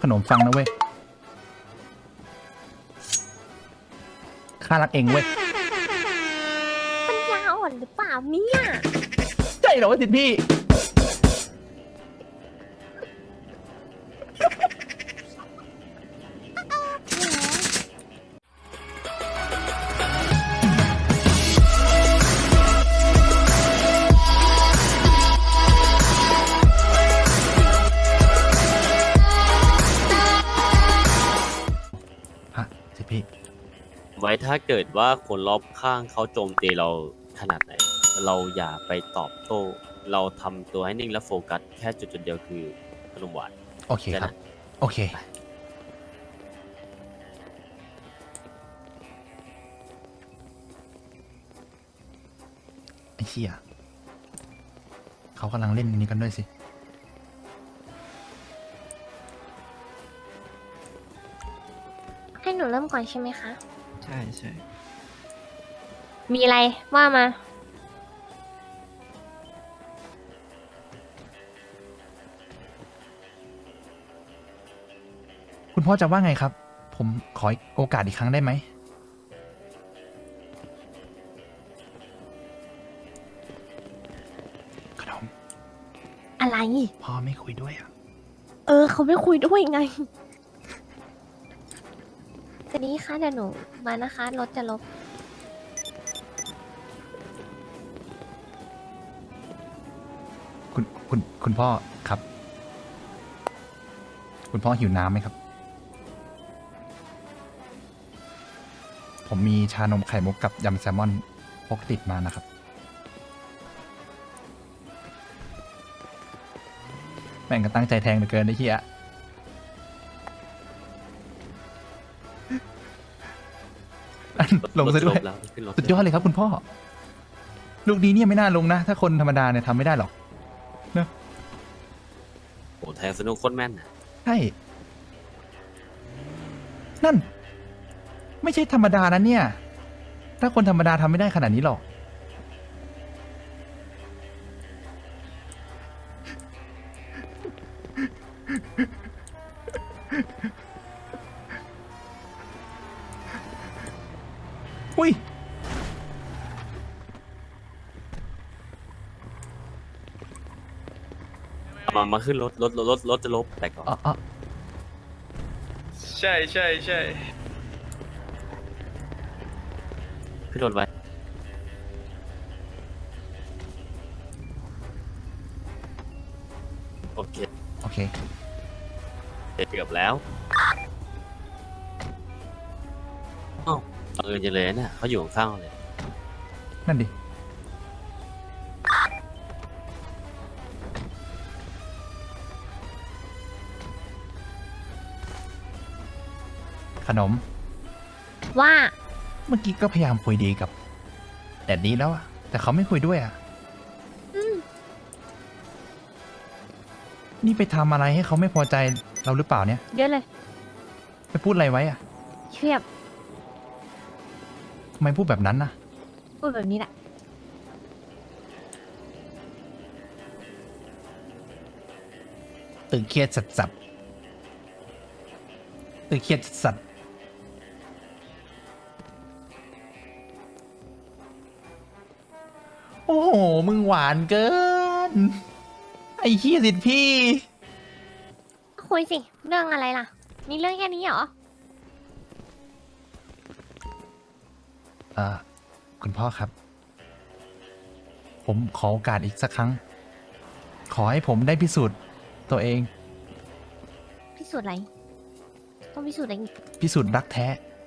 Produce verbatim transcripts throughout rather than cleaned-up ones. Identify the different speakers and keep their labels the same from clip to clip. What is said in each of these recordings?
Speaker 1: ขนมฟังนะเว้ยข้ารักเองเว้ย
Speaker 2: ปัญญาอ่อนหรือเปล่าเนี่ย
Speaker 1: ใช่เหรอวะสิทธิ์พี่ฮะสิทธิ์พี่
Speaker 3: ไว้ถ้าเกิดว่าคนรอบข้างเขาโจมตีเราขนาดไหน เราอย่าไปตอบโต้ เราทำตัวให้นิ่งและโฟกัสแค่จุดจุดๆเดียวคือขนมหวาน
Speaker 1: โอเคครับ โอเค ไอ้เชี่ยเขากำลังเล่นอันนี้กันด้วยสิ
Speaker 2: ให้หนูเริ่มก่อนใช่ไหมคะ
Speaker 4: ใช่ใช่
Speaker 2: มีอะไรว่ามา
Speaker 1: คุณพ่อจะว่าไงครับ ผมขอโอกาสอีกครั้งได้ไหมขนม
Speaker 2: อะไร
Speaker 1: พ่อไม่คุยด้วยอ่ะ
Speaker 2: เออ เขาไม่คุยด้วยไงจะนี้ค่ะเดี๋ยวหนูมานะคะรถจะลบ
Speaker 1: คุณคุณคุณพ่อครับ คุณพ่อหิวน้ำไหมครับ ผมมีชานมไข่มุกกับยำแซลมอนพกติดมานะครับ แม่งก็ตั้งใจแทงเหลือเกินไอ้เหี้ยอันลงซะด้วย
Speaker 3: รถจแล้วขึ้นรถ
Speaker 1: สุดยอดเลยครับคุณพ่อ ลูกนี้เนี่ยไม่น่าลงนะ ถ้าคนธรรมดาเนี่ยทำไม่ได้หรอก
Speaker 3: โอ้แทงสนุกโคตรแม่นน่ะ
Speaker 1: ใช่ นั่น ไม่ใช่ธรรมดานะเนี่ย ถ้าคนธรรมดาทำไม่ได้ขนาดนี้หรอก อุ้ย
Speaker 3: มามาขึ้นรถรถรถรถรถจะลบแต่ก่อน
Speaker 1: อ๋ออ๋อ
Speaker 4: ใช่ใช่ใช่
Speaker 3: ขึ้นรถไว้โอเค
Speaker 1: โอเค
Speaker 3: เกือบแล้วอ้าวบังเอิญจังเลยนะเขาอยู่ข้างๆเลย
Speaker 1: นั่นดิ ขนม
Speaker 2: ว่า
Speaker 1: เมื่อกี้ก็พยายามคุยดีกับแดดดี้แล้วอะแต่เขาไม่คุยด้วยอะ
Speaker 2: อืม
Speaker 1: นี่ไปทำอะไรให้เขาไม่พอใจเราหรือเปล่าเนี่ย
Speaker 2: เยอะเลย
Speaker 1: ไปพูดอะไรไว้อะ
Speaker 2: เชียบ
Speaker 1: ทำไมพูดแบบนั้นนะ
Speaker 2: พูดแบบนี้แหละ
Speaker 1: ตึงเครียดสัดสับตึงเครียดสัดโอ้โห มึงหวานเกิน ไอ้เหี้ยสิทธิ์พี่
Speaker 2: คุยสิ เรื่องอะไรล่ะ มีเรื่องแค่นี้เหรอ
Speaker 1: เอ่อ คุณพ่อครับ ผมขอโอกาสอีกสักครั้ง ขอให้ผมได้พิสูจน์ตัวเอง
Speaker 2: พิสูจน์อะไร ต้องพิสูจน์อะไรอีก
Speaker 1: พิสูจน์รักแท้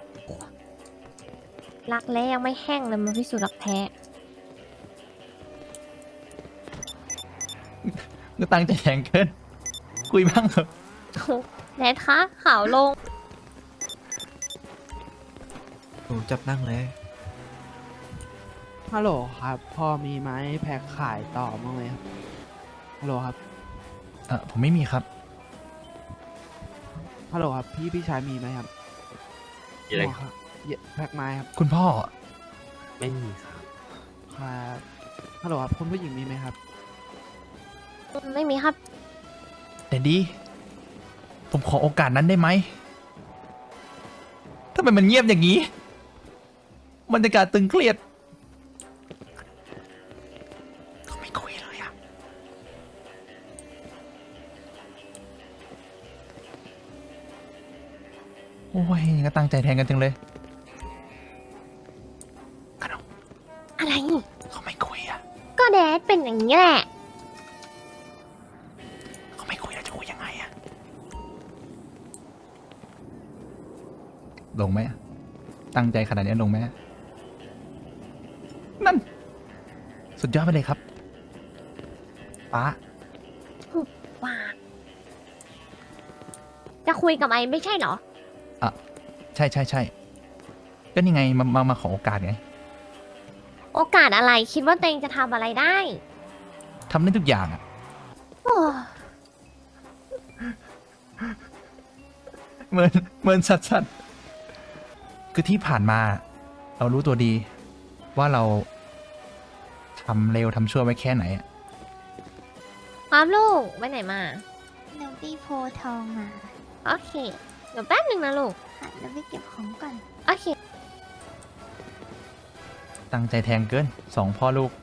Speaker 2: รักแร้ยังไม่แห้งเลยมาพิสูจน์รักแท้
Speaker 1: ก็ตั้งใจแทงเกิน คุยบ้างเถอะ
Speaker 2: แนทคะข่าวลง
Speaker 4: หนูจับนั่งเลย
Speaker 5: ฮัลโหลครับ พอมีไม้แพ็คขายต่อมั้างไหมครับ ฮัลโหลครับ
Speaker 1: เออผมไม่มีครับ
Speaker 5: ฮัลโหลครับ พี่พี่ชายมีไหมครับ
Speaker 3: มีอะไร
Speaker 5: อ๋อครับเยแพ็คไม้ครับ
Speaker 1: คุณพ่อ
Speaker 3: ไม่มีครับ
Speaker 5: ครับฮัลโหลครับคุณผู้หญิงมีไหมครับ
Speaker 2: ไม่มีครับ
Speaker 1: แต่ดีผมขอโอกาสนั้นได้ไหมทำไมมันเงียบอย่างนี้บรรยากาศตึงเครียดเขาไม่คุยเลยอะโอ้ยก็ตั้งใจแทนกันจังเลยขนม
Speaker 2: อะไร
Speaker 1: เขาไม่คุยอะ
Speaker 2: ก็แดดเป็นอย่างนี้แหละ
Speaker 1: เขาไม่คุยแล้วจะคุยยังไงอะลงไหมอะตั้งใจขนาดนี้ลงไหมอะนั่น สุดยอดไปเลยครับป้า
Speaker 2: ว่า จะคุยกับไอ้ไม่ใช่เหรอ
Speaker 1: อ่ะใช่ใช่ใช่ก็นี่ไงมามามาขอโอกาสไง
Speaker 2: โอกาสอะไรคิดว่าตัวเองจะทำอะไรได้
Speaker 1: ทำได้ทุกอย่างอ่ะ
Speaker 2: โอ้
Speaker 1: เหมือนเหมือนสัตว์สัตว์คือที่ผ่านมา เรารู้ตัวดี ว่าเราทำเร็วทำชั่วไว้แค่ไหนอะ
Speaker 2: ครับลูกไปไหนมา
Speaker 6: หนูตีโพธิ์ทองมา
Speaker 2: โอเค เดี๋ยวแป๊บหนึ่งนะลูก
Speaker 6: ค่ะแล้วไปเก็บของก่อน
Speaker 2: โอเค
Speaker 1: ตั้งใจแทงเกินสองพ่อลูก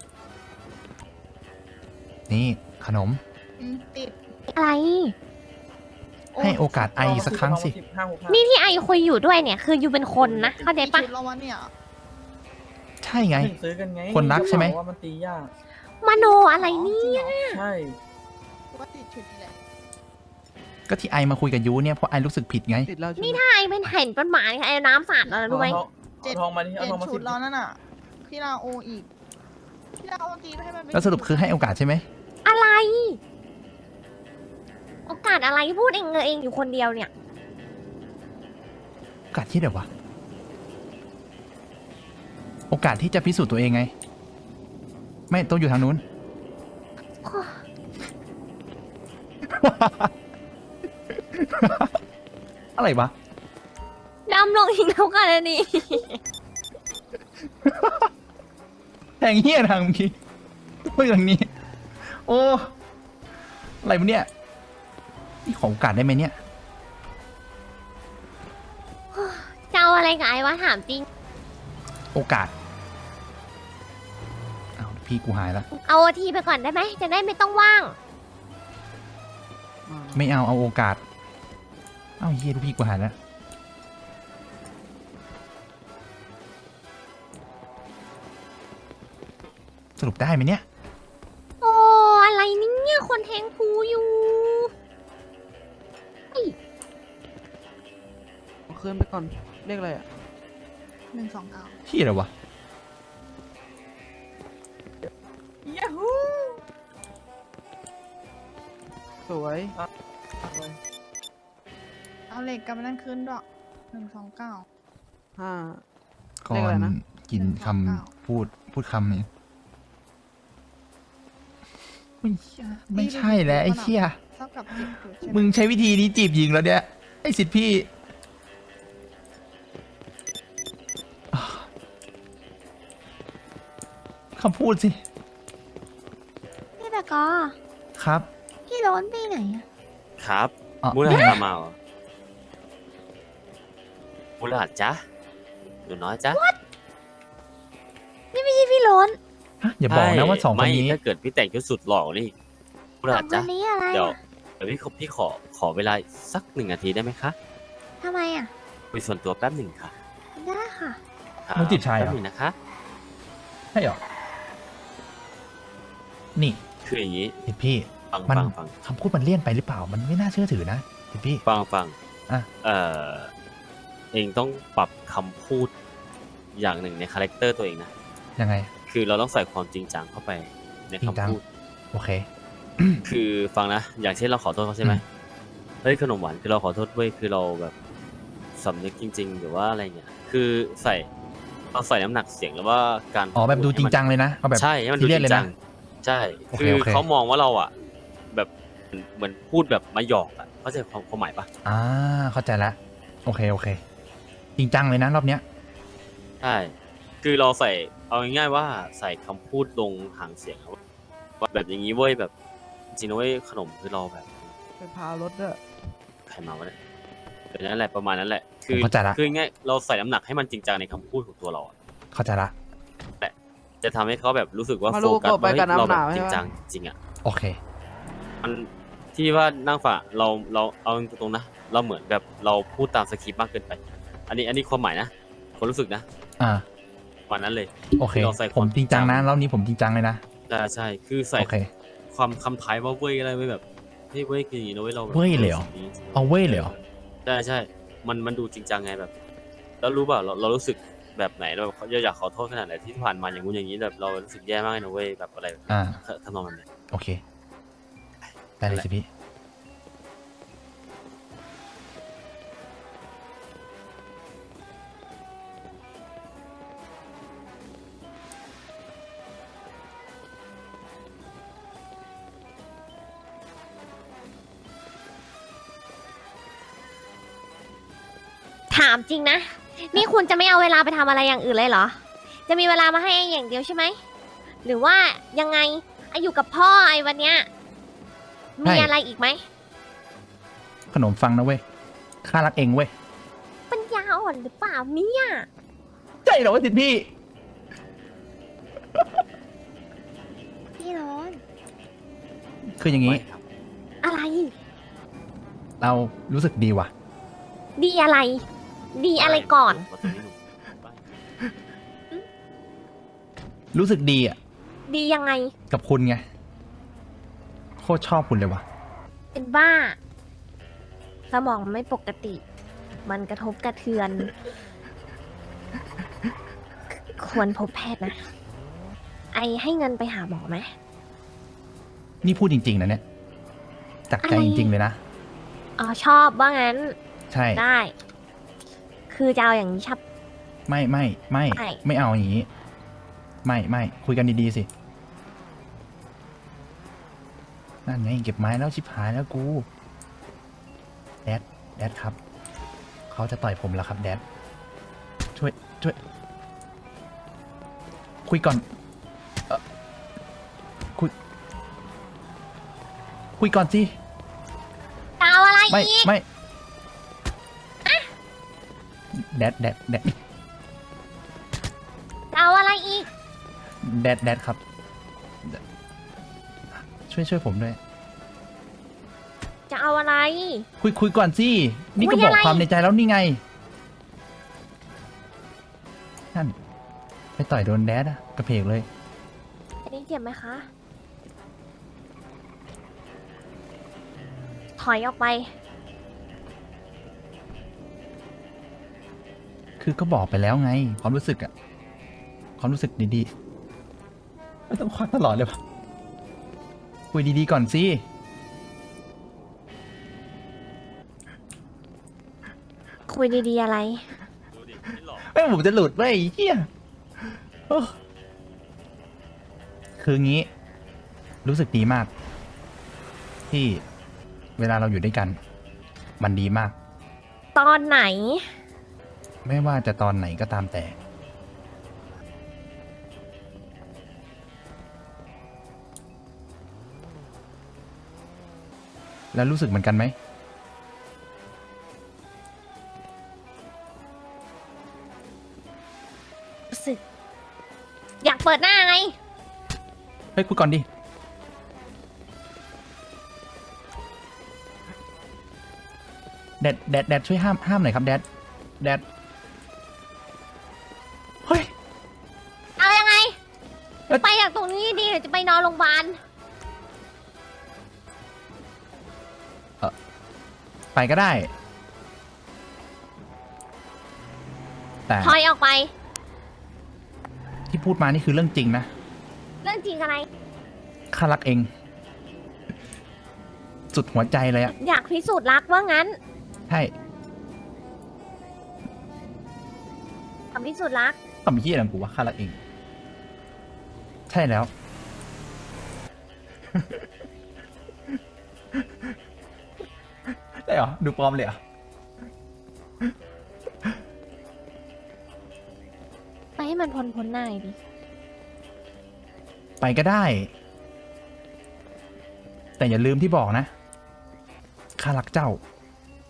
Speaker 1: นี่ขนม
Speaker 6: อืม ติด
Speaker 2: อะไร
Speaker 1: ให้โอกาสไอสักครั้งสิ
Speaker 2: นี่ที่ไอคุยอยู่ด้วยเนี่ย คืออยู่เป็นคนนะ เข้าใจปะ
Speaker 6: ชุดแล้ววะเนี่ย
Speaker 1: ใช่ไง
Speaker 4: ซื้อกันไง
Speaker 1: คนรักใช่ไหม
Speaker 4: ว่ามันตียาก
Speaker 2: มโนอะไรเนี่ย
Speaker 4: ใช่
Speaker 6: ว่าติดชุดนี่แหละ
Speaker 1: ก็ที่ไอมาคุยกับยูเนี่ยเพราะไอรู้สึกผิดไง
Speaker 5: ติดแล้วใช่ไหม
Speaker 2: นี่ถ้าไอเป็นเห็นต้นไม้ไอเอาน้ำสาดแล้วนะรู้ไหม
Speaker 6: เจ็ด
Speaker 4: เอาทองมาดิ
Speaker 6: เป
Speaker 4: เอา
Speaker 6: ลี่ย
Speaker 4: ทอง
Speaker 6: น
Speaker 4: มา
Speaker 6: ชุ
Speaker 4: สิ
Speaker 6: ดแล้วนั่นน่ะ พี่ลาโออีก พี่ลาโอตีไปให้มันเป็น
Speaker 1: แล้วสรุปคือให้โอกาสใช่ไหม
Speaker 2: อะไร โอกาสอะไรพูดเองเองอยู่คนเดียวเนี่ย
Speaker 1: โอกาสที่เดี๋ยววะ โอกาสที่จะพิสูจน์ตัวเองไง ไม่ต้องอยู่ทางนู้น อะไรวะ
Speaker 2: ดำลงอีกแล้วกันอันนี้
Speaker 1: แทงเฮี้ยทางเมื่อกี้พูดอย่างนี้ โอ้ อะไรวะเนี่ย นี่ขอโอกาสได้ไหมเนี่ย
Speaker 2: จะเอาอะไรกับไอ้วะถามจริง
Speaker 1: โอกาสเอาวพี่กูหายแล้ว
Speaker 2: เอาโอทีไปก่อนได้ไหม จะได้ไม่ต้องว่าง
Speaker 5: อ่า
Speaker 1: ไม่เอาเอาโอกาส เอาเฮียลูกพี่กูหายแล้ว สรุปได้ไหมเนี่ย
Speaker 2: โอ้ อะไรเนี่ย คนแทงพูอยู่
Speaker 5: เอาคืนไปก่อน เรียกอะไรอ่ะ
Speaker 6: หนึ่งสองเก้า
Speaker 1: ที่อะไรวะ
Speaker 6: ยาฮู
Speaker 5: สวย
Speaker 6: เอาเหล็กกลับมานั่นคืนด้วยหนึ่งสองเก้า
Speaker 5: ห้า
Speaker 1: ก่
Speaker 5: เรียก
Speaker 1: อ
Speaker 5: อะไร
Speaker 1: น
Speaker 5: นะ
Speaker 1: กินค
Speaker 6: หนึ่งสองเก้า
Speaker 1: ำพูดพูดคำนี้ไม่ใช่ไม่ใช่แล้วไอ้เชี่ย
Speaker 6: เท่ากับเจ็ดจุดใช่ไหม
Speaker 1: มึงใช้วิธีนี้จีบหญิงแล้วเนี่ย ไอ้สิทธิ์พี่อ่าคำพูดสิ
Speaker 6: พี่ตะกอ
Speaker 1: ครับ
Speaker 6: พี่โร้นไปไหนอะ
Speaker 3: ครับ
Speaker 1: อ๋อ
Speaker 3: มูลหัดมาเหรอมูลหัดจ๊ะหนูน้อยจ๊ะ
Speaker 6: นี่ไม่ใช่พี่โร้น
Speaker 1: ฮะอย่าบอกนะว่าสองคน
Speaker 3: ไม่
Speaker 1: นี้
Speaker 3: ถ้าเกิดพี่แต่งชุดสุดหล่อนี่มูล
Speaker 6: สอ
Speaker 3: หัด
Speaker 6: งค
Speaker 3: จ๊ะ
Speaker 6: นนี้อะไร
Speaker 3: เดี๋ยว
Speaker 6: อะ
Speaker 3: เดี๋ยวพี่ขอพี่ขอขอเวลาสักหนึ่งนาทีได้ไหมคะ
Speaker 6: ทำไมอะ
Speaker 3: คุยส่วนตัวแป๊บหนึ่งค่ะ
Speaker 6: ได้ค่ะ
Speaker 3: ครับ
Speaker 1: มึงจีบชายเหรอ
Speaker 3: แป๊บหนึ่งนะคะ
Speaker 1: ใช่เหรอ นี่
Speaker 3: คืออย่างนี้
Speaker 1: สิทธิ์พี่
Speaker 3: ฟัง
Speaker 1: มัน
Speaker 3: ฟังฟัง
Speaker 1: คำพูดมันเลี่ยนไปหรือเปล่า มันไม่น่าเชื่อถือนะสิทธิ์พี่
Speaker 3: ฟังฟัง
Speaker 1: อ่ะ
Speaker 3: เอ่อเองต้องปรับคำพูดอย่างหนึ่งในคาแรคเตอร์ตัวเองนะ
Speaker 1: ยังไง
Speaker 3: คือเราต้องใส่ความจริงจังเข้าไปใน
Speaker 1: จริงจัง
Speaker 3: คำพูด
Speaker 1: โอเค
Speaker 3: คือฟังนะ อย่างเช่นเราขอโทษเขาใช่ไหม
Speaker 1: อืม
Speaker 3: เฮ้ยขนมหวานคือเราขอโทษเว้ยคือเราแบบสำนึกจริง ๆ หรือว่าอะไรเงี้ยคือใส่เราใส่น้ำหนักเสียงหรือว่าการ
Speaker 1: อ๋อแบบดูจริงจังเลยนะเอาแบบ
Speaker 3: ใช่ให้มันดู
Speaker 1: ซีเรี
Speaker 3: จ
Speaker 1: ยส
Speaker 3: ริ
Speaker 1: เลย
Speaker 3: งจั
Speaker 1: นะ
Speaker 3: งใช่
Speaker 1: โอเค
Speaker 3: คือ
Speaker 1: โอเค
Speaker 3: เขามองว่าเราอ่ะ แบบเหมือนพูดแบบมาหยอกอ่ะเข้าใจความความหมายปะ
Speaker 1: อ่าเข้าใจแล้วโอเคโอเค จริงจังเลยนะรอบเนี้ย
Speaker 3: ใช่คือเราใส่เอาง่ายๆว่าใส่คำพูดลงหางเสียงอะว่าแบบอย่างนี้เว้ยแบบจริงนะเว้ยขนมคือเราแบบ
Speaker 5: ไปพารถด้วย
Speaker 3: ใครมาวะเนี่ยแต่นั่นแหละประมาณนั้นแหละ คื
Speaker 1: ผมเข้าใจละ
Speaker 3: คือง่ายเราใส่น้ำหนักให้มันจริงจังในคำพูดของตัวเราอะ
Speaker 1: เข้าใจละ
Speaker 3: จะทำให้เขาแบบรู้สึกว่า
Speaker 5: มา
Speaker 3: โฟ
Speaker 5: ดู
Speaker 3: กัส
Speaker 5: กบไป
Speaker 3: ว่าเฮ้ย
Speaker 5: กับน้ำ
Speaker 3: เราแบบ
Speaker 5: หนาว
Speaker 3: จริง
Speaker 5: ใช่ปะ
Speaker 3: จังจริงอะ
Speaker 1: โอเค
Speaker 3: มันที่ว่านั่งฝ่าเราเราเอาตรงๆนะเราเหมือนแบบเราพูดตามสคริปต์มากเกินไป อันนี้อันนี้ความหมายนะความรู้สึกนะ
Speaker 1: อ่า
Speaker 3: วันนั้นเลย
Speaker 1: โอเค
Speaker 3: ที่เราใส่ค
Speaker 1: ผ
Speaker 3: วาม
Speaker 1: มจริงจังนะรอบนี้ผมจริงจังเลยนะ
Speaker 3: ใช่ใช่คือใส่
Speaker 1: โอเค
Speaker 3: ความคำท้ายว่าเว้ยอะไรไว้แบบเฮ้ยเว้ยคืออย่างนี้นะเว้ยเราแบบ
Speaker 1: เว้ยเลยเหรอ
Speaker 3: สิ่งนี้
Speaker 1: เอาเว้ยเลยเหรอ
Speaker 3: ใช่ใช่มันมันดูจริงจังไงแบบ แล้วรู้ป่ะเราเรารู้สึกแบบไหนเราแบบอยากขอโทษขนาดไหนที่ผ่านมาอย่างงู้นอย่างนี้แบบเรารู้สึกแย่มากเลยนะเว้ยแบบอะไร
Speaker 1: อ่า
Speaker 3: ทำนองนั้นเลย
Speaker 1: โอเค ได้เลยสิพี่
Speaker 2: ถามจริงนะ นี่คุณจะไม่เอาเวลาไปทำอะไรอย่างอื่นเลยเหรอ จะมีเวลามาให้ไอ้อย่างเดียวใช่ไหม หรือว่ายังไงไออยู่กับพ่อไอวันเนี้ย มี
Speaker 1: ใช่
Speaker 2: อะไรอีกไหม
Speaker 1: ขนมฟังนะเว้ย ข้ารักเองเว้ย
Speaker 2: ปัญญาอ่อนหรือเปล่าเนี่ย
Speaker 1: ใช่เหรอวะจิตพี่
Speaker 2: พี่ร้อน
Speaker 1: คืออย่างนี้
Speaker 3: ไม่ครับ
Speaker 2: อะไร
Speaker 1: เรารู้สึกดีว่ะ
Speaker 2: ดีอะไร ดีอะไรก่อน
Speaker 3: ว่าตรงนี้หนูไม่
Speaker 1: รู้สึกดีอ่ะ
Speaker 2: ดียังไง
Speaker 1: กับคุณไง โคตรชอบคุณเลยว่ะ
Speaker 2: เป็นบ้า สมองไม่ปกติ มันกระทบกระเทือน ควรพบแพทย์นะ ไอให้เงินไปหาหมอไหม
Speaker 1: นี่พูดจริง ๆ นะเนี่ย จากใจ
Speaker 2: อะไร
Speaker 1: จริง ๆ เลยนะ
Speaker 2: อ๋อชอบว่างั้น
Speaker 1: ใช่
Speaker 2: ได้ คือจะเอาอย่างนี้ชับ
Speaker 1: ไม่ไม่ไม่
Speaker 2: ไม่
Speaker 1: ไม่เอาอย่างนี้ ไม่ไม่คุยกันดีๆสิ นั่นไงเก็บไม้แล้วชิบหายแล้วกู แดด แดดครับ เขาจะต่อยผมแล้วครับ แดด ช่วย ช่วย คุยก่อนเอ่อคุย คุยก่อนสิ
Speaker 2: จะเอาอะไร
Speaker 1: ไม่
Speaker 2: อีก
Speaker 1: ไม่ แดด แดด แดด
Speaker 2: จะเอาอะไรอีก
Speaker 1: แดด แดดครับ ช่วยช่วยผมด้วย
Speaker 2: จะเอาอะไร
Speaker 1: คุยคุยก่อนสิ นี่ก็
Speaker 2: คุย
Speaker 1: บอ
Speaker 2: อะ
Speaker 1: ก
Speaker 2: ไร
Speaker 1: ความในใจแล้วนี่ไง นั่น ไปต่อยโดนแดดอะกระเพกเลย
Speaker 2: อันนี้เจ็บไหมคะ ถอยออกไป
Speaker 1: คือก็บอกไปแล้วไง ความรู้สึกอะความรู้สึกดีๆ ไม่ต้องควักตลอดเลยวะคุยดีๆก่อนสิ
Speaker 2: คุยดีๆอะไร
Speaker 3: ดูดิไม่หลอก
Speaker 1: เอ้ยผมจะหลุดเว้ยไอ้เฮียโอ้คืองี้ รู้สึกดีมาก ที่เวลาเราอยู่ด้วยกัน มันดีมาก
Speaker 2: ตอนไหน
Speaker 1: ไม่ว่าจะตอนไหนก็ตามแต่ แล้วรู้สึกเหมือนกันไหม
Speaker 2: รู้สึก อยากเปิดหน้าไง
Speaker 1: เฮ้ยคุยก่อนดิ แดด แดด แดด ช่วยห้าม ห้ามหน่อยครับ แดด แดด เฮ้ย
Speaker 2: เอายังไง
Speaker 1: เอ๊ะ
Speaker 2: ไปจากตรงนี้ดีหรือจะไปนอนโรงพยาบาล
Speaker 1: ไปก็ได้ แต่
Speaker 2: ถอยออกไป
Speaker 1: ที่พูดมานี่คือเรื่องจริงนะ
Speaker 2: เรื่องจริงอะไร
Speaker 1: ข้ารักเอง สุดหัวใจเลยอะ
Speaker 2: อยากพิสูจน์รักว่างั้น
Speaker 1: ใช่
Speaker 2: ทำพิสูจน์รัก
Speaker 1: ทำเหี้ยอะไรของกูวะข้ารักเอง ใช่แล้ว ได้เหรอ ดูปลอมเลยเหรอ
Speaker 2: ไปให้มันพ้นพ้นหน้าหน่อยดิ
Speaker 1: ไปก็ได้ แต่อย่าลืมที่บอกนะ ข้ารักเจ้า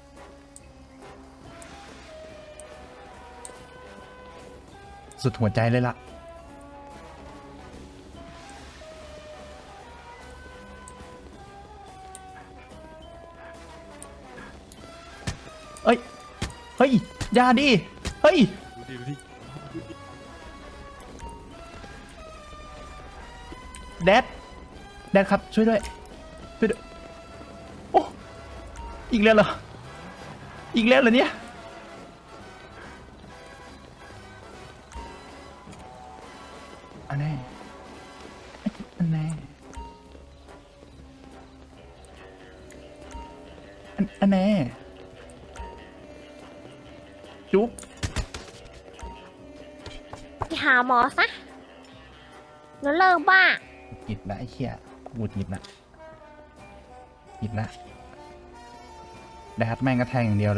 Speaker 1: สุดหัวใจเลยล่ะ เอ้ย เฮ้ยอย่าดิ เฮ้ย แดด แดดครับ ช่วยด้วย ช่วยด้วย โอ้ อีกแล้วเหรอ อีกแล้วเหรอเนี่ย อันนี้อันนี้อันอันนี้จุ๊บ
Speaker 2: ไปหาหมอซะแล้วเลิกบ้า
Speaker 1: หยิบละไอ้เหี้ยหมุดหยิบละหยิบละแดดแม่งก็แทงอย่างเดียวเลย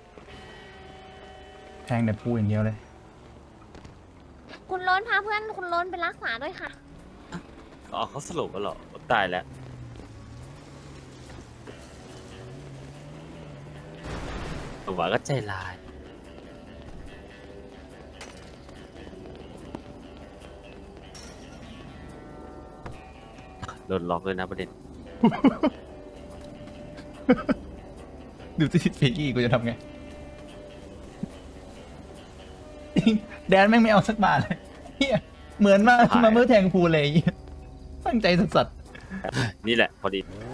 Speaker 1: แทงแต่พูอย่างเดียวเลย
Speaker 2: คุณโล้นพาเพื่อนคุณโล้นไปรักษาด้วยค่ะ
Speaker 3: อ๋อเขาสรุปแล้วเหรอตายแล้วผมว่าก็ใจร้ายโดนล็อกเลยนะประเด็น
Speaker 1: ดูสิเฟกี้กูจะทำไง แดนแม่งไม่เอาสักบาทเลยเฮียเหมือนมา
Speaker 3: หาย
Speaker 1: มาเมื่อแทงพูเลยไอ้เหี้ยตั้งใจสัส
Speaker 3: นี่แหละพอดี
Speaker 1: ๆ